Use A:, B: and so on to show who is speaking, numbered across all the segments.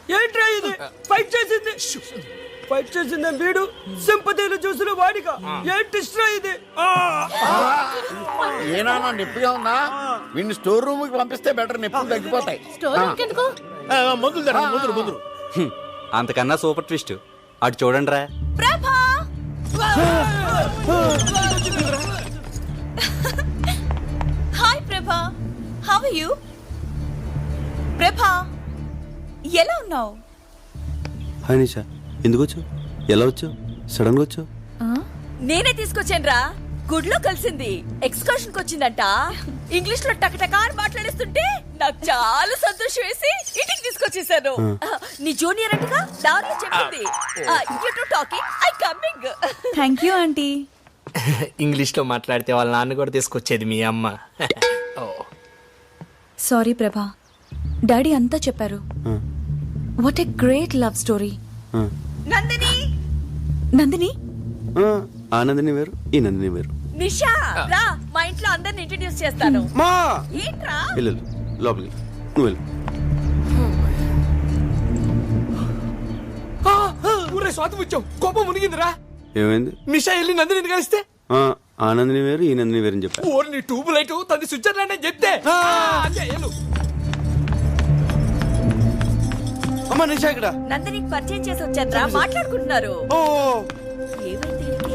A: ఏంట్రా ఇది? ఫైట్ చేసింది వీడు, సింపతిలు చూసిన వాడిగా. ఏంటి ఇది?
B: ఏనా నొప్పిగా ఉందా? వీడిని స్టోర్ రూమ్ కి పంపిస్తే బెటర్, నొప్పులు తగ్గిపోతాయి.
C: ముందు అంతకన్నా సూపర్ ట్విస్ట్ అటు చూడండి రా.
D: హాయ్ ప్రభా, హౌ ఆర్ యు? ప్రభా, ఎలా ఉన్నావు?
E: హాయ్ నిషా, ఎందుకు వచ్చావు? ఎలా వచ్చావు? సడన్ గా వచ్చావు?
D: నేనే తీసుకొచ్చాను రా. గుడ్లో కలిసింది, ఎక్స్కర్షన్ కి వచ్చిందంట. ఇంగ్లీష్ లో టకటకా మాట్లాడేస్తుంటే నాకు చాలా సంతోషం వేసి ఇంటికి తీసుకొచ్చేసాను. నీ జూనియర్ అంటగా దారిలో చెప్పింది. You to talking, I coming.
F: Thank you aunty.
A: English లో మాట్లాడితే వాళ్ళ నాన్న కూడా తీసుకొచ్చేది మీ అమ్మ.
F: సారీ ప్రభా, డాడీ అంతా చెప్పారు. What a great love story.
D: Nandini,
F: Nandini
E: ఆ నందిని వేరు, ఈ నందిని వేరు.
D: నిషా రా, మా ఇంట్లో అందరిని ఇంట్రడ్యూస్ చేస్తాను.
E: మా
D: ఏంట్రా?
E: వెళ్ళు లోపలికి, నువ్వు వెళ్ళు.
A: స్వాతం వచ్చావు, కోపం మునిగిందిరా.
E: ఏమైంది?
A: నిషా వెళ్ళి నందిని కలిస్తే
E: ఆ నందిని వేరు, ఈ నందిని వేరు అని చెప్పా.
A: నీ ట్యూబ్ లైట్ తది స్విట్జర్లాండ్ అని చెప్తే.
E: అమ్మా నిషా ఇక్కడ.
D: నందినికి పరిచయం చేసి వచ్చారా, మాట్లాడుకుంటున్నారు. ఏమైంది వీడికి?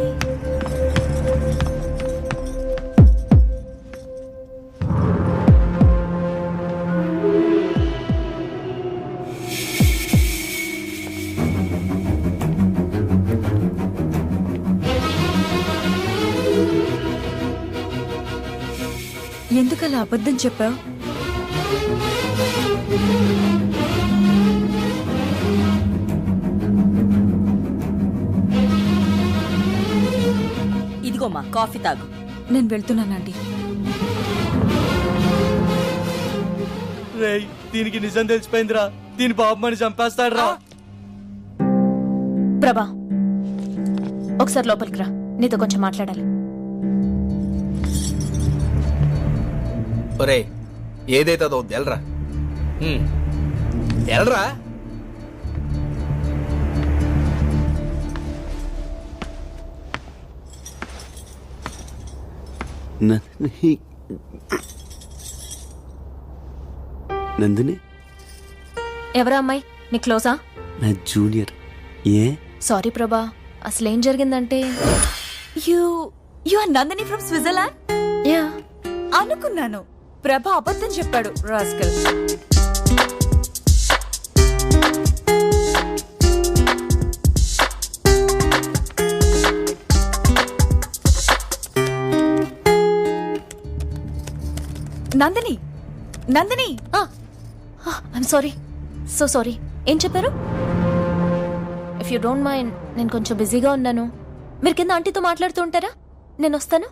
F: ఎందుకలా అబద్ధం చెప్పావు?
D: ఇదిగోమ్మా, కాఫీ తాగు.
F: నేను వెళ్తున్నానండి.
A: రేయ్, దీనికి నిజం తెలిసిపోయిందిరా. దీని బాబుమని చంపేస్తాడు రా.
G: ప్రభా, ఒకసారి లోపలికి రా, నీతో కొంచెం మాట్లాడాలి.
A: ఒరే, ఏదైతే అదో ఎల్రా, ఎల్రా.
E: నందిని
G: ఎవరా అమ్మాయి? నీ క్లోజా?
E: నా జూనియర్. ఏ?
G: సారీ ప్రభా, అసలేం జరిగిందంటే
F: you are Nandini from Switzerland?
G: Yeah,
F: అనుకున్నాను. ప్రభా అబద్ధం చెప్పాడు, rascal. Nandini, Nandini.
G: I'm sorry, so sorry. ఏం చెప్పారు? ఇఫ్ యూ డోంట్ మైండ్, నేను కొంచెం బిజీగా ఉన్నాను. మీరు కింద ఆంటీతో మాట్లాడుతూ ఉంటారా? నేను వస్తాను.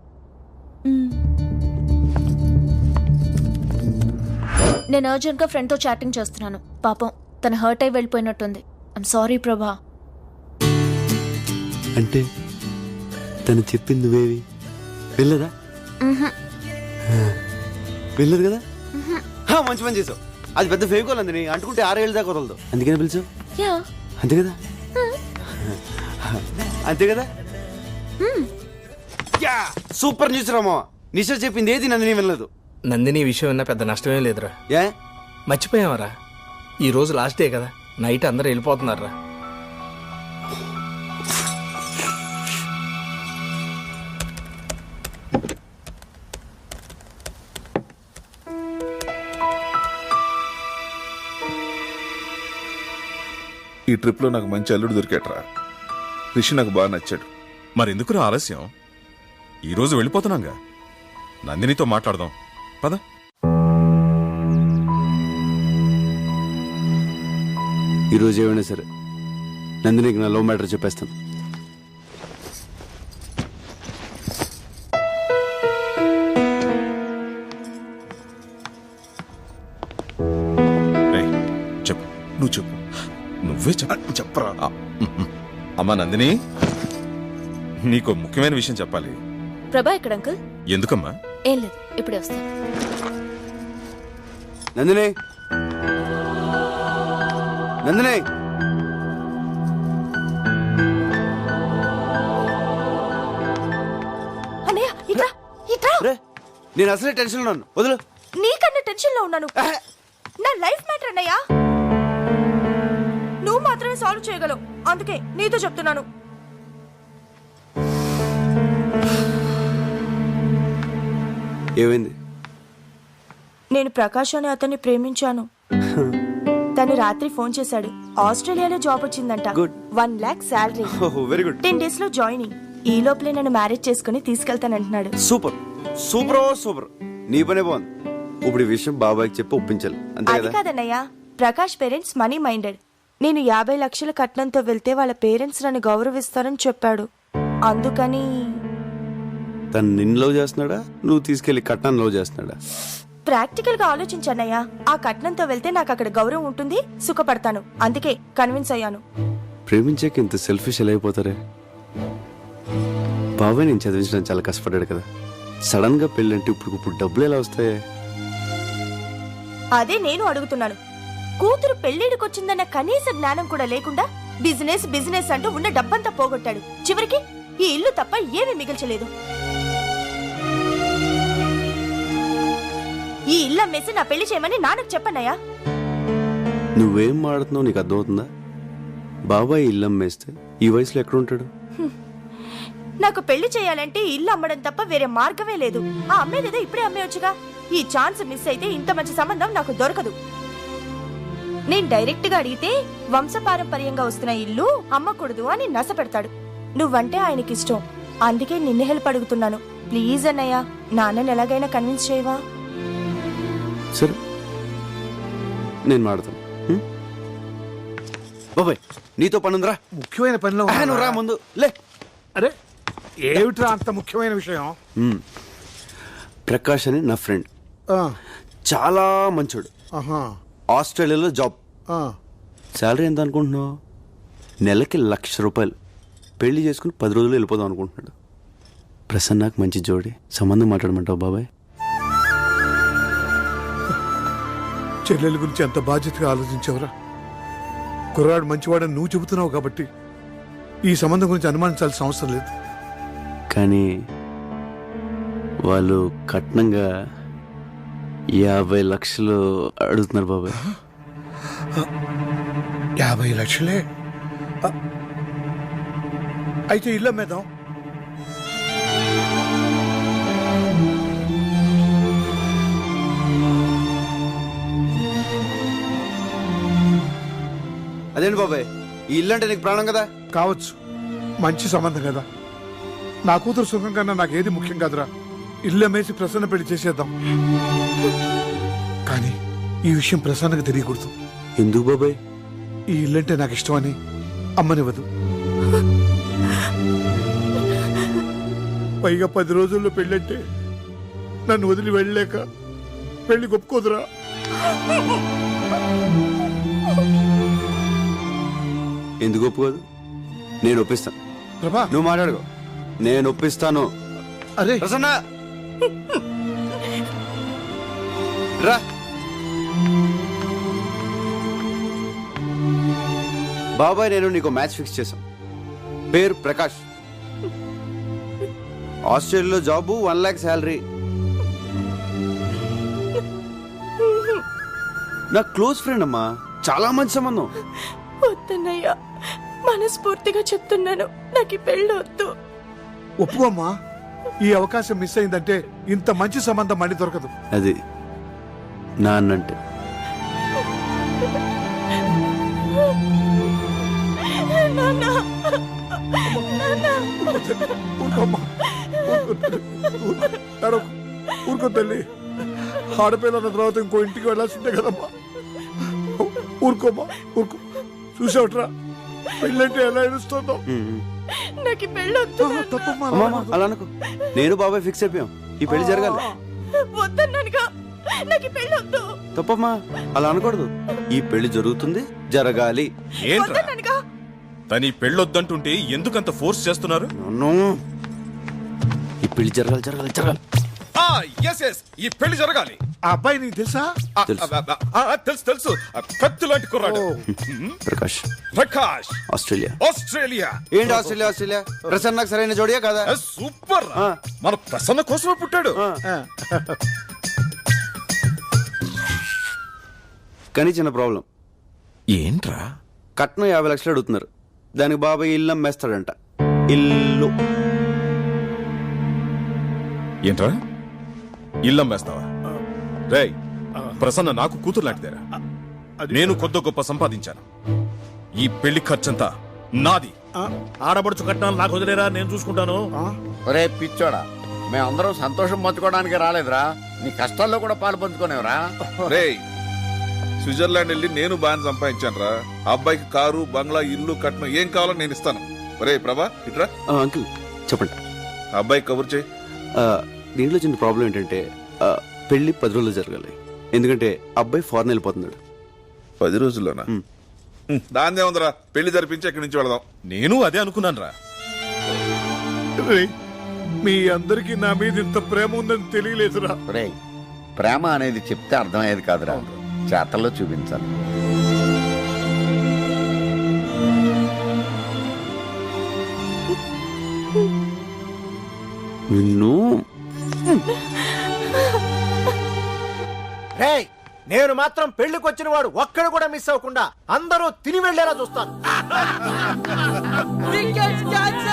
G: నేను అర్జెంట్గా ఫ్రెండ్తో చాటింగ్ చేస్తున్నాను. పాపం తను హర్ట్ అయి వెళ్ళిపోయినట్టుంది. ఐమ్ సారీ ప్రభా.
E: అంటే తను చెప్పింది నువ్వేవి వెళ్ళదా? వెళ్ళదు కదా? మంచి పని చేసావు. అది పెద్ద ఫేవికోల్ అంది, అంటుకుంటే 6 ఏళ్ళ దాకా వదలదు. అందుకని పిలిచావు.
G: యా,
E: అంతే కదా? అంతే కదా? Super news Rama. నిషా చెప్పింది ఏది నందిని వెళ్ళదు.
A: నందిని విషయం విన్నా పెద్ద నష్టమే లేదురా.
E: ఏ
A: మర్చిపోయావరా? ఈ రోజు లాస్ట్ డే కదా, నైట్ అందరూ వెళ్ళిపోతున్నారా.
H: ఈ ట్రిప్లో నాకు మంచి అల్లుడు దొరికాట్రా. రిషి నాకు బాగా నచ్చాడు.
I: మరెందుకు ఆలస్యం? ఈరోజు వెళ్ళిపోతున్నాగా, నందినితో మాట్లాడదాం పద.
E: ఈరోజు ఏమైనా సరే నందినికి నా లవ్ మ్యాటర్ చెప్పేస్తాను.
I: చెప్పు, నువ్వు చెప్పు, నువ్వే చెప్పరా. అమ్మా నందిని, నీకు ముఖ్యమైన విషయం చెప్పాలి.
G: ప్రభా ఎక్కడ అంకుల్?
I: ఎందుకమ్మా?
G: ఏం లేదు, ఇప్పుడే వస్తాను.
E: నందిని నందిని
G: అన్నయ్య ఇట్రా ఇట్రా.
E: రే నేను అసలే టెన్షన్ ఉన్నాను, వదులు.
G: నీకన్నా టెన్షన్ లో ఉన్నాను. నా లైఫ్ మ్యాటర్ అన్నయ్య. నువ్వు మాత్రమే సాల్వ్ చేయగలవు, అందుకే నీతో చెప్తున్నాను.
E: ఏమైంది?
G: నేను ప్రకాష్ అనే అతన్ని ప్రేమించాను. తను రాత్రి ఫోన్ చేశాడు. ఆస్ట్రేలియాలో జాబ్ వచ్చిందంట.
E: Good.
G: 1 lakh salary.
E: Very good.
G: 10 days లో జాయినింగ్. ఈ లోపలే నన్ను మ్యారేజ్ చేసుకుని తీసుకెళ్తానంటున్నాడు.
E: Super super super. నీ పనే బాగుంది. ఇప్పుడు ఈ విషయం బాబాయ్కి చెప్పి ఒప్పించాలి, అంతే
G: అది
E: కదా?
G: కాదన్నయ్య, ప్రకాష్ పేరెంట్స్ మనీ మైండెడ్. నేను 50 లక్షల కట్నంతో వెళ్తే వాళ్ళ పేరెంట్స్ నన్ను గౌరవిస్తారని చెప్పాడు. అందుకని
E: తను నిన్ను లవ్ చేస్తున్నాడా, నువ్వు తీసుకెళ్లి కట్నాన్ని లవ్ చేస్తున్నాడా?
G: ప్రాక్టికల్ గా ఆలోచించన్నయ్య. ఆ కట్నంతో వెళ్తే నాకు అక్కడ గౌరవం ఉంటుంది, సుఖపడతాను. అందుకే కన్విన్స్ అయ్యాను.
E: ప్రేమించాక ఇంత సెల్ఫిష్ ఎలా అయిపోతారే? బాబాయ్ నేను చదివించడం చాలా కష్టపడ్డాడు కదా. సడన్ గా పెళ్ళంటే ఇప్పుడు డబ్బులు ఎలా వస్తాయి?
G: అదే నేను అడుగుతున్నాను. కూతురు పెళ్లిడికొచ్చిందన్న కనీస జ్ఞానం కూడా లేకుండా బిజినెస్ బిజినెస్ అంటూ ఉన్న డబ్బంతా పోగొట్టాడు. చివరికి ఈ ఇల్లు తప్ప ఏమీ మిగిల్చలేదు. ఈ ఇల్లు అమ్మేసి నా పెళ్లి చేయమని నాన్నకు చెప్పన్నయ్యా.
E: నువ్వేం మాడుతున్నావు నీకు అర్థమవుతుందా? బాబాయ్ ఇల్లు అమ్మేస్తే ఈ వయసులో ఎక్కడ ఉంటాడు?
G: నాకు పెళ్లి చేయాలంటే ఇల్లు అమ్మడం తప్ప వేరే మార్గమే లేదు. ఆ అమ్మేదేదో ఇప్పుడే అమ్మేయొచ్చుగా. ఈ ఛాన్స్ మిస్ అయితే ఇంత మంచి సంబంధం నాకు దొరకదు. నేను డైరెక్ట్ గా అడిగితే వంశపారంపర్యంగా వస్తున్న ఇల్లు అమ్మకూడదు అని నస పెడతాడు. నువ్వంటే ఆయనకి ఇష్టం, అందుకే నిన్ను హెల్ప్ అడుగుతున్నాను. ప్లీజ్ అన్నయ్య, నాన్నని ఎలాగైనా కన్విన్స్ చేయవా?
E: సరే నేను మాడతాను. బాబాయ్ నీతో పనుందిరా.
J: ముఖ్యమైన పనిలో
E: నువ్వు రా ముందు లే.
J: అరే ఏమిట్రా అంత ముఖ్యమైన విషయం?
E: ప్రకాష్ అని నా ఫ్రెండ్, చాలా మంచోడు. ఆస్ట్రేలియాలో జాబ్. శాలరీ ఎంత అనుకుంటున్నావు? నెలకి ₹1,00,000. పెళ్లి చేసుకుని 10 రోజులు వెళ్ళిపోదాం అనుకుంటున్నాడు. ప్రసన్నకు మంచి జోడి, సంబంధం మాట్లాడమంటావు బాబాయ్?
J: చెల్లెల గురించి అంత బాధ్యతగా ఆలోచించావురా. కుర్రాడు మంచివాడని నువ్వు చెబుతున్నావు కాబట్టి ఈ సంబంధం గురించి అనుమానించాల్సిన అవసరం లేదు.
E: కానీ వాళ్ళు కట్నంగా 50 లక్షలు అడుగుతున్నారు బాబాయ్.
J: 50 లక్షలే? అయితే ఇల్లు అమ్మేద్దాం.
E: అదేంటి బాబాయ్, ఈ ఇల్లు అంటే నీకు ప్రాణం కదా?
J: కావచ్చు, మంచి సంబంధం కదా. నా కూతురు సుఖం కన్నా నాకు ఏది ముఖ్యం కాదురా. ఇల్లు అమ్మేసి ప్రసన్న పెళ్లి చేసేద్దాం. కానీ ఈ విషయం ప్రసన్నకు తెలియకూడదు.
E: ఎందుకు బాబాయ్?
J: ఈ ఇల్లంటే నాకు ఇష్టమని అమ్మనివ్వదు. పైగా 10 రోజుల్లో పెళ్ళంటే నన్ను వదిలి వెళ్ళలేక పెళ్లి ఒప్పుకోదురా.
E: ఎందుకు ఒప్పుకోదు? నేను ఒప్పిస్తాను.
J: ప్రభా
E: నువ్వు మాట్లాడుకో, నేను ఒప్పిస్తాను.
J: అరే
E: ప్రసన్న రా. బాబాయ్ నేను నీకు మ్యాచ్ ఫిక్స్ చేశాం. పేరు ప్రకాష్, ఆస్ట్రేలియాలో జాబు, 1 lakh శాలరీ. నా క్లోజ్ ఫ్రెండ్ అమ్మా, చాలా మంచి సంబంధం.
G: వద్దన్నయ్యా, మనస్ఫూర్తిగా చెప్తున్నాను, నాకు ఈ పెళ్ళి వద్దు.
J: ఒప్పుకోమ్మా. ఈ అవకాశం మిస్ అయిందంటే ఇంత మంచి సంబంధం మళ్ళీ దొరకదు.
E: అది నాన్నంటే.
J: ఊరుకో తల్లి, ఆడపిల్లల తర్వాత ఇంకో ఇంటికి వెళ్ళాల్సిందే కదమ్మా. ఊరుకోమ్మా, ఊరుకో. చూసావుట్రా పెళ్ళంటే ఎలా ఏడుస్తుందో.
G: నాకు ఈ పెళ్ళి వద్దు.
J: తప్పమ్మా,
E: అలా అనుకో. నేను బాబాయ్ ఫిక్స్ అయిపోయాం, ఈ పెళ్లి జరగాలి.
G: వద్దన్నానుగా, నాకు ఈ పెళ్ళి వద్దు.
E: తప్పమ్మా, అలా అనకూడదు. ఈ పెళ్లి జరుగుతుంది, జరగాలి.
I: ఏంట్రా తని పెళ్ళొద్దంటుంటే ఎందుకంత ఫోర్స్ చేస్తున్నారు?
E: ఈ పెళ్లి జరగాలి, జరగాలి, జరగాలి.
I: ఈ పెళ్లి జరగాలి.
J: ఆ అబ్బాయి నీకు తెలుసా?
I: తెలుసు తెలుసు, కత్తి లాంటి కుర్రాడు.
E: ప్రకాష్,
I: ప్రకాష్,
E: ఆస్ట్రేలియా.
I: ఆస్ట్రేలియా.
E: ఏంటి ఆస్ట్రేలియా? ఆస్ట్రేలియా ప్రసన్నకు సరైన జోడియా కదా?
I: సూపర్. మన ప్రసన్న కోసమే పుట్టాడు.
E: కానీ చిన్న ప్రాబ్లం.
I: ఏంట్రా?
E: కట్నం 50 లక్షలు అడుగుతున్నారు. దానికి బాబాయ్ ఇల్లు అమ్మేస్తాడంట. ఇల్లు.
I: ఏంట్రా ఇల్లు అమ్మేస్తావా? రేయ్, ప్రసన్న నాకు కూతురు లాంటిదేరా. నేను కొద్ది గొప్ప సంపాదించాను. ఈ పెళ్లి ఖర్చంతా నాది.
A: ఆడబడుచు కట్నాలు నాకు వదిలేరా, నేను చూసుకుంటాను.
B: ఒరే పిచ్చోడా, మేమందరం సంతోషం పంచుకోవడానికి రాలేదురా, నీ కష్టాల్లో కూడా పాలు పంచుకోనేవరా.
H: రేయ్, స్విట్జర్లాండ్ వెళ్ళి నేను బాగా సంపాదించాను రా. అబ్బాయికి కారు, బంగ్లా, ఇల్లు, కట్నం ఏం కావాలో నేను ఇస్తాను. ఒరే ప్రభా, ఇట్రా.
E: అంకుల్ చెప్పండి.
H: అబ్బాయి కబుర్ చేయి.
E: దీంట్లో చిన్న ప్రాబ్లం ఏంటంటే పెళ్లి 10 రోజులు జరగాలి. ఎందుకంటే అబ్బాయి ఫారెన్ వెళ్ళిపోతున్నాడు.
H: 10 రోజుల్లోనా? దాన్నే ఉందరా, పెళ్లి జరిపించి ఎక్కడి నుంచి వెళదాం.
I: నేను అదే అనుకున్నాను రా.
J: రేయ్, మీ అందరికి నా మీద ఇంత ప్రేమ ఉందని తెలియలేదురా.
B: ఒరే, ప్రేమ అనేది చెప్తే అర్థమయ్యేది కాదురా, చేతల్లో చూపించాలి.
E: నిన్ను
A: రేయ్, నేను మాత్రం పెళ్లికి వచ్చిన వాడు ఒక్కడు కూడా మిస్ అవ్వకుండా అందరూ తిని వెళ్లేలా చూస్తాను.